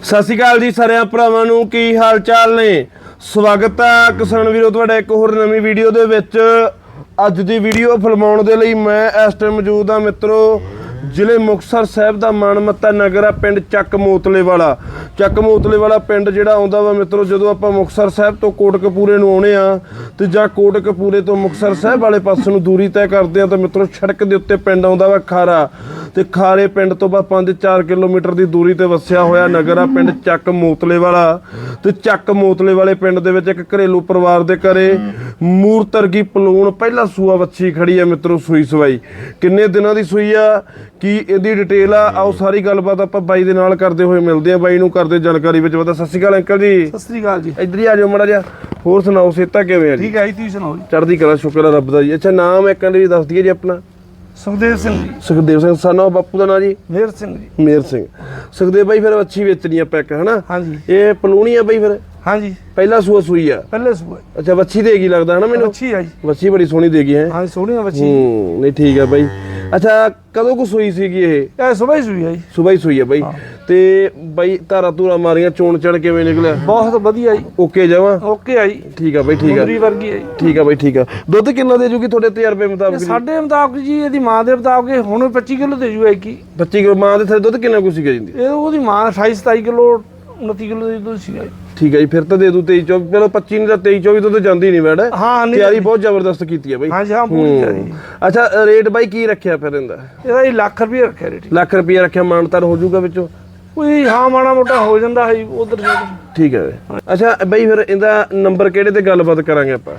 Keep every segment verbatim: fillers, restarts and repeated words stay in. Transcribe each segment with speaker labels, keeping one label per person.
Speaker 1: ਸਤਿ ਸ਼੍ਰੀ ਅਕਾਲ ਜੀ ਸਾਰਿਆਂ ਭਰਾਵਾਂ ਨੂੰ, ਕੀ ਹਾਲ ਚਾਲ ਨੇ। ਸਵਾਗਤ ਹੈ ਕਿਸਾਨ ਵੀਰੋ ਤੁਹਾਡਾ ਇੱਕ ਹੋਰ ਨਵੀਂ ਵੀਡੀਓ ਦੇ ਵਿੱਚ। ਅੱਜ ਦੀ ਵੀਡੀਓ ਫਿਲਮਾਉਣ ਦੇ ਲਈ ਮੈਂ ਇਸ ਟਾਈਮ ਮੌਜੂਦ ਹਾਂ ਮਿੱਤਰੋ ਜ਼ਿਲ੍ਹੇ ਮੁਕਤਸਰ ਸਾਹਿਬ ਦਾ ਮਾਣਮੱਤਾ ਨਗਰ ਆ ਪਿੰਡ ਚੱਕ ਮੋਤਲੇ ਵਾਲਾ। ਚੱਕ ਮੋਤਲੇ ਵਾਲਾ ਪਿੰਡ ਜਿਹੜਾ ਆਉਂਦਾ ਵਾ ਮਿੱਤਰੋ, ਜਦੋਂ ਆਪਾਂ ਮੁਕਤਸਰ ਸਾਹਿਬ ਤੋਂ ਕੋਟਕਪੂਰੇ ਨੂੰ ਆਉਣੇ ਆ ਤੇ ਜਾਂ ਕੋਟਕਪੂਰੇ ਤੋਂ ਮੁਕਤਸਰ ਸਾਹਿਬ ਵਾਲੇ ਪਾਸੇ ਨੂੰ ਦੂਰੀ ਤੈਅ ਕਰਦੇ ਆ ਤਾਂ ਮਿੱਤਰੋ ਸੜਕ ਦੇ ਉੱਤੇ ਪਿੰਡ ਆਉਂਦਾ ਵਾ ਖਾਰਾ, ਤੇ ਖਾਰੇ ਪਿੰਡ ਤੋਂ ਬਾਅਦ ਪੰਜ ਚਾਰ ਕਿਲੋਮੀਟਰ ਦੀ ਦੂਰੀ ਤੇ ਵਸਿਆ ਹੋਇਆ ਨਗਰ ਆ ਪਿੰਡ ਚੱਕ ਮੋਤਲੇ ਵਾਲਾ। ਤੇ ਚੱਕ ਮੋਤਲੇ ਵਾਲੇ ਪਿੰਡ ਦੇ ਵਿੱਚ ਇੱਕ ਘਰੇਲੂ ਪਰਿਵਾਰ ਦੇ ਘਰੇ ਮੂਰਤਰਗੀ ਪਲੂਣ ਪਹਿਲਾ ਸੂਆ ਵੱਛੀ ਖੜੀ ਆ ਮਿੱਤਰੋ, ਸੂਈ ਸਵਾਈ ਕਿੰਨੇ ਦਿਨਾਂ ਦੀ ਸੂਈ ਆ, ਕੀ ਇਹਦੀ ਡਿਟੇਲ ਆ, ਆਓ ਸਾਰੀ ਗੱਲਬਾਤ ਆਪਾਂ ਬਾਈ ਦੇ ਨਾਲ ਕਰਦੇ ਹੋਏ ਮਿਲਦੇ ਆ। ਬਾਈ ਨੂੰ ਕਰਦੇ ਜਾਣਕਾਰੀ ਵਿੱਚ ਪਤਾ। ਸਤਿ ਸ਼੍ਰੀ ਅਕਾਲ ਅੰਕਲ ਜੀ।
Speaker 2: ਸਤਿ ਸ਼੍ਰੀ ਅਕਾਲ ਜੀ।
Speaker 1: ਇੱਧਰ ਹੀ ਆ ਜਾਓ ਮਾੜਾ ਜਿਹਾ। ਹੋਰ ਸੁਣਾਓ ਸਿਹਤਾਂ ਕਿਵੇਂ ਆ ਜੀ?
Speaker 2: ਠੀਕ ਹੈ ਜੀ, ਤੁਸੀਂ ਸੁਣਾਓ ਜੀ।
Speaker 1: ਚੜ੍ਹਦੀ ਕਲਾ, ਸ਼ੁਕਰ ਆ ਰੱਬ ਦਾ ਜੀ। ਅੱਛਾ ਨਾਮ ਇੱਕ ਵਾਰੀ ਦੱਸ ਦਈਏ ਜੀ ਆਪਣਾ।
Speaker 2: ਸੁਖਦੇਵ ਸਿੰਘ ਜੀ।
Speaker 1: ਸੁਖਦੇਵ ਸਿੰਘ ਸਾਨਾ ਬਾਪੂ ਦਾ ਨਾਂ ਜੀ?
Speaker 2: ਮੇਹਰ ਸਿੰਘ ਜੀ।
Speaker 1: ਮੇਹਰ ਸਿੰਘ। ਸੁਖਦੇਵ ਬਾਈ ਫਿਰ ਵੱਛੀ ਵੇਚਣੀ ਆ ਪੈਕ ਹਨਾ?
Speaker 2: ਹਾਂਜੀ।
Speaker 1: ਇਹ ਪਲੂਣੀ ਆ ਬਾਈ ਫਿਰ?
Speaker 2: ਹਾਂਜੀ
Speaker 1: ਪਹਿਲਾ ਸੂਆ ਸੂਈ ਆ?
Speaker 2: ਪਹਿਲੇ ਸੂਆ।
Speaker 1: ਅੱਛਾ ਵੱਛੀ ਦੇਗੀ ਲੱਗਦਾ ਹਨਾ ਮੈਨੂੰ?
Speaker 2: ਵੱਛੀ ਆ ਜੀ।
Speaker 1: ਵੱਛੀ ਬੜੀ ਸੋਹਣੀ ਦੇਗੀ ਹੈ।
Speaker 2: ਹਾਂ ਸੋਹਣੀ ਆ ਵੱਛੀ।
Speaker 1: ਹੂੰ ਨਹੀਂ ਠੀਕ ਆ ਬਾਈ। ਅੱਛਾ ਕਦੋਂ ਕੁ ਸੂਈ ਸੀਗੀ ਇਹ?
Speaker 2: ਇਹ ਸਵੇਰ ਹੀ ਸੂਈ ਆ ਜੀ।
Speaker 1: ਸਵੇਰ ਹੀ ਸੂਈ ਆ ਬਾਈ। ਤੇ ਬਾਈ ਧਾਰਾ ਧੂਰਾ ਮਾਰੀਆਂ, ਚੋਣ ਚੜ ਕਿਵੇਂ ਨਿਕਲਿਆ?
Speaker 2: ਬਹੁਤ ਵਧੀਆ ਜੀ।
Speaker 1: ਓਕੇ ਜਾਵਾਂ?
Speaker 2: ਓਕੇ ਆ ਜੀ।
Speaker 1: ਠੀਕ ਆ ਬਾਈ, ਠੀਕ ਆ।
Speaker 2: ਮੁੰਦਰੀ ਵਰਗੀ ਆ ਜੀ।
Speaker 1: ਠੀਕ ਆ ਬਾਈ, ਠੀਕ ਆ। ਦੁੱਧ ਕਿੰਨਾ ਦੇ ਜੂਗੀ ਤੁਹਾਡੇ ਤਜਰਬੇ ਮੁਤਾਬਕ?
Speaker 2: ਸਾਡੇ ਮੁਤਾਬਕ ਜੀ ਇਹਦੀ ਮਾਂ ਦੇ ਮੁਤਾਬਕ ਹੁਣ ਪੱਚੀ ਕਿਲੋ ਦੇ ਜੂ ਕੀ
Speaker 1: ਪੱਚੀ ਕਿਲੋ ਮਾਂ ਦੇ ਥੱਲੇ ਦੁੱਧ ਕਿੰਨਾ ਕੁ ਸੀਗਾ ਜੀ?
Speaker 2: ਇਹ ਉਹਦੀ ਮਾਂ ਅਠਾਈ ਸਤਾਈ ਕਿਲੋ ਉਨੱਤੀ ਕਿਲੋ ਦੀ ਦੁੱਧ ਸੀਗਾ।
Speaker 1: ਠੀਕ ਹੈ ਜੀ, ਫਿਰ ਤਾਂ ਦੇ ਦੂ ਤੇਈ ਚੌਵੀ। ਚਲੋ ਪੱਚੀ ਨਹੀਂ ਤਾਂ ਤੇਈ ਚੌਵੀ ਤੋਂ ਤਾਂ ਜਾਂਦੀ ਨਹੀਂ ਮੈਡ।
Speaker 2: ਹਾਂ
Speaker 1: ਤਿਆਰੀ ਬਹੁਤ ਜ਼ਬਰਦਸਤ ਕੀਤੀ ਹੈ ਬਾਈ।
Speaker 2: ਹਾਂ ਜੀ ਹਾਂ ਪੂਰੀ ਤਿਆਰੀ।
Speaker 1: ਅੱਛਾ ਰੇਟ ਬਾਈ ਕੀ ਰੱਖਿਆ ਫਿਰ ਇਹਦਾ?
Speaker 2: ਇਹਦਾ ਜੀ ਲੱਖ ਰੁਪਏ ਰੱਖਿਆ ਰੇਟ।
Speaker 1: ਲੱਖ ਰੁਪਏ ਰੱਖਿਆ, ਮਾਨਤਾਨ ਹੋ ਜਾਊਗਾ ਵਿੱਚੋਂ?
Speaker 2: ਕੋਈ ਹਾਂ ਮਾੜਾ ਮੋਟਾ ਹੋ ਜਾਂਦਾ ਹੈ ਉਧਰ।
Speaker 1: ਠੀਕ ਹੈ। ਅੱਛਾ ਬਾਈ ਫਿਰ ਇਹਦਾ ਨੰਬਰ ਕਿਹੜੇ ਤੇ ਗੱਲਬਾਤ ਕਰਾਂਗੇ ਆਪਾਂ?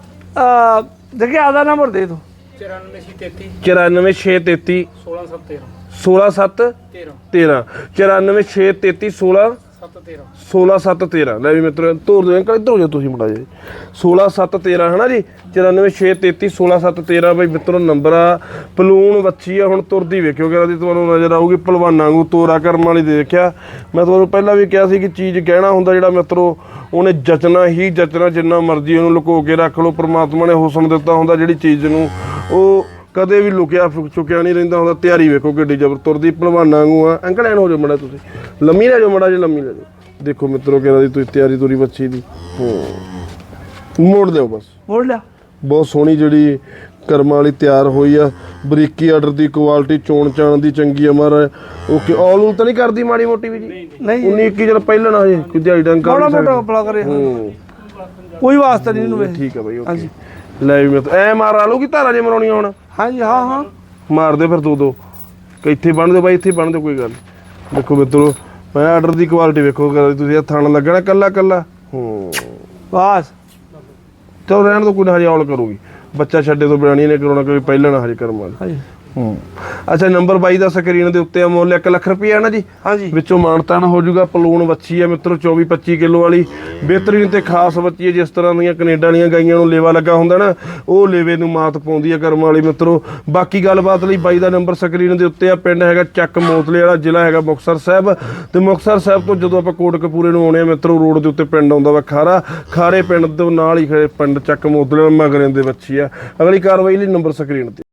Speaker 2: ਆ ਦੇਖਿਆ ਆਦਾ ਨੰਬਰ ਦੇ ਦੋ।
Speaker 1: ਚੁਰਾਨਵੇਂ ਛੇ ਤੇਤੀ ਸੋਲਾਂ ਸੱਤ ਤੇਰਾਂ। ਚੁਰਾਨਵੇਂ ਛੇ ਤੇਤੀ ਸੋਲਾਂ ਸੋਲਾਂ ਸੱਤ ਤੇਰਾਂ। ਲੈ ਵੀ ਮਿੱਤਰੋ ਧੋਰ ਦੇ ਅੰਕਲ ਇੱਧਰ ਹੋ ਜਾਓ ਤੁਸੀਂ ਮੁੰਡਾ ਜੀ। ਸੋਲਾਂ ਸੱਤ ਤੇਰਾਂ ਹਨਾ ਜੀ। ਚੁਰਾਨਵੇਂ ਛੇ ਤੇਤੀ ਸੋਲਾਂ ਸੱਤ ਤੇਰਾਂ ਬਾਈ ਮਿੱਤਰੋ ਨੰਬਰ ਆ। ਪਲੂਣ ਵੱਛੀ ਆ, ਹੁਣ ਤੁਰਦੀ ਵੇਖਿਓ ਕਿ ਤੁਹਾਨੂੰ ਨਜ਼ਰ ਆਊਗੀ ਭਲਵਾਨਾਂ ਵਾਂਗੂ ਤੋਰਾ ਕਰਮ ਵਾਲੀ ਦੇ ਦੇਖਿਆ। ਮੈਂ ਤੁਹਾਨੂੰ ਪਹਿਲਾਂ ਵੀ ਕਿਹਾ ਸੀ ਕਿ ਚੀਜ਼ ਕਹਿਣਾ ਹੁੰਦਾ ਜਿਹੜਾ ਮਿੱਤਰੋ ਉਹਨੇ ਜਚਣਾ ਹੀ ਜਚਣਾ, ਜਿੰਨਾ ਮਰਜ਼ੀ ਉਹਨੂੰ ਲੁਕੋ ਕੇ ਰੱਖ ਲਓ, ਪ੍ਰਮਾਤਮਾ ਨੇ ਹੁਸਨ ਦਿੱਤਾ ਹੁੰਦਾ ਜਿਹੜੀ ਚੀਜ਼ ਨੂੰ ਉਹ ਕਦੇ ਵੀ ਲੁਕਿਆ ਚੁੱਕਿਆ ਨਹੀਂ ਰਹਿੰਦਾ ਹੁੰਦਾ। ਤਿਆਰੀ ਵੇਖੋ ਕਿੱਡੀ ਜ਼ਬਰ ਤੁਰਦੀ ਭਲਵਾਨਾਂ ਵਾਂਗੂ ਆ। ਅੰਕਲ ਐਨ ਹੋ ਜਾਓ ਮੜਾ, ਤੁਸੀਂ ਲੰਮੀ ਲੈ ਜਾਓ ਮੜਾ ਜੀ, ਲੰਮੀ ਲੈ ਜਾਓ। ਦੇਖੋ ਮਿੱਤਰੋ ਕਿਹੜਾ ਦੀ ਤੁਸੀਂ ਤਿਆਰੀ ਤੁਰੀ ਬੱਚੀ ਦੀ। ਹੂੰ ਮੋੜ ਦਿਓ ਬਸ,
Speaker 2: ਮੋੜ ਲਿਆ। ਬਹੁਤ
Speaker 1: ਸੋਹਣੀ ਜਿਹੜੀ ਕਰਮਾਂ ਵਾਲੀ ਤਿਆਰ ਹੋਈ ਆ। ਬਰੀਕੀ ਆਰਡਰ ਦੀ ਕੁਆਲਿਟੀ, ਚੋਣ ਚਾਣ ਦੀ ਚੰਗੀ ਅਮਰ। ਓਕੇ ਆਲ ਉਲ ਤਾਂ ਨਹੀਂ ਕਰਦੀ ਮਾੜੀ ਮੋਟੀ ਵੀ ਜੀ?
Speaker 2: ਨਹੀਂ
Speaker 1: ਉਨੀ ਇੱਕੀ ਚਲ ਪਹਿਲਾਂ ਨਾ ਹਜੇ ਕੋਈ ਦਿਹਾੜੀ ਡੰਗ
Speaker 2: ਮਾੜਾ ਮੋਟਾ ਕਪੜਾ ਕਰੇ।
Speaker 1: ਹੂੰ
Speaker 2: ਕੋਈ ਵਾਸਤਾ ਨਹੀਂ ਇਹਨੂੰ।
Speaker 1: ਠੀਕ ਆ ਬਾਈ ਓਕੇ। ਲੈ ਵੀ ਮੈਂ ਐ ਮਾਰ ਆ ਲੂਗੀ ਧਾਰਾ ਜੇ ਮਰਾਉਣੀਆਂ ਹੁਣ?
Speaker 2: ਹਾਂਜੀ ਹਾਂ ਹਾਂ
Speaker 1: ਮਾਰ ਦੇ ਫਿਰ ਦੋ ਦੋ। ਇੱਥੇ ਬਣ ਦਿਓ ਬਾਈ, ਇੱਥੇ ਬਣ ਦਿਓ, ਕੋਈ ਗੱਲ। ਦੇਖੋ ਮਿੱਤਰੋ ਮੈਂ ਆਰਡਰ ਦੀ ਕੁਆਲਿਟੀ ਵੇਖੋ ਤੁਸੀਂ, ਇਹ ਥਣ ਲੱਗਣਾ ਕੱਲਾ ਕੱਲਾ। ਹੂੰ
Speaker 2: ਬਸ
Speaker 1: ਚਲੋ ਰਹਿਣ ਦੋ, ਕੋਈ ਨਾ ਹਜੇ ਔਲ ਕਰੂਗੀ। ਬੱਚਾ ਛੱਡੇ ਤੋਂ ਬਿਰਾਣੀ ਨੇ ਕਰਾਉਣਾ, ਕੋਈ ਪਹਿਲਾਂ ਨਾ ਹਜੇ ਕਰਮ ਵਾਲੀ।
Speaker 2: ਹਾਂਜੀ
Speaker 1: ਹੂੰ ਅੱਛਾ ਨੰਬਰ ਬਾਈ ਦਾ ਸਕਰੀਨ ਦੇ ਉੱਤੇ ਆ। ਮੁੱਲ ਇੱਕ ਲੱਖ ਰੁਪਈਆ ਹੈ ਨਾ ਜੀ? ਹਾਂਜੀ। ਵਿੱਚੋਂ ਮਾਨਤਾਨ ਹੋ ਜਾਊਗਾ। ਪਲੂਣ ਵੱਛੀ ਆ ਮਿੱਤਰੋ ਚੌਵੀ ਪੱਚੀ ਕਿਲੋ ਵਾਲੀ, ਬਿਹਤਰੀਨ ਤੇ ਖਾਸ ਬੱਚੀ ਹੈ। ਜਿਸ ਤਰ੍ਹਾਂ ਦੀਆਂ ਕੈਨੇਡਾ ਵਾਲੀਆਂ ਗਾਈਆਂ ਨੂੰ ਲੇਵਾ ਲੱਗਾ ਹੁੰਦਾ ਨਾ, ਉਹ ਲੇਵੇ ਨੂੰ ਮਾਤ ਪਾਉਂਦੀ ਆ ਕਰਮ ਵਾਲੀ ਮਿੱਤਰੋ। ਬਾਕੀ ਗੱਲਬਾਤ ਲਈ ਬਾਈ ਦਾ ਨੰਬਰ ਸਕਰੀਨ ਦੇ ਉੱਤੇ ਆ। ਪਿੰਡ ਹੈਗਾ ਚੱਕ ਮੋਤਲੇ ਵਾਲਾ, ਜ਼ਿਲ੍ਹਾ ਹੈਗਾ ਮੁਕਤਸਰ ਸਾਹਿਬ। ਤੇ ਮੁਕਤਸਰ ਸਾਹਿਬ ਤੋਂ ਜਦੋਂ ਆਪਾਂ ਕੋਟਕਪੂਰੇ ਨੂੰ ਆਉਣੇ ਆ ਮਿੱਤਰੋ, ਰੋਡ ਦੇ ਉੱਤੇ ਪਿੰਡ ਆਉਂਦਾ ਵਾ ਖਾਰਾ। ਖਾਰੇ ਪਿੰਡ ਤੋਂ ਨਾਲ ਹੀ ਪਿੰਡ ਚੱਕ ਮੋਤਲੇ ਮਗਰਿਆਂ ਦੇ ਵੱਛੀ ਆ। ਅਗਲੀ ਕਾਰਵਾਈ ਲਈ ਨੰਬਰ ਸਕਰੀਨ ਤੇ।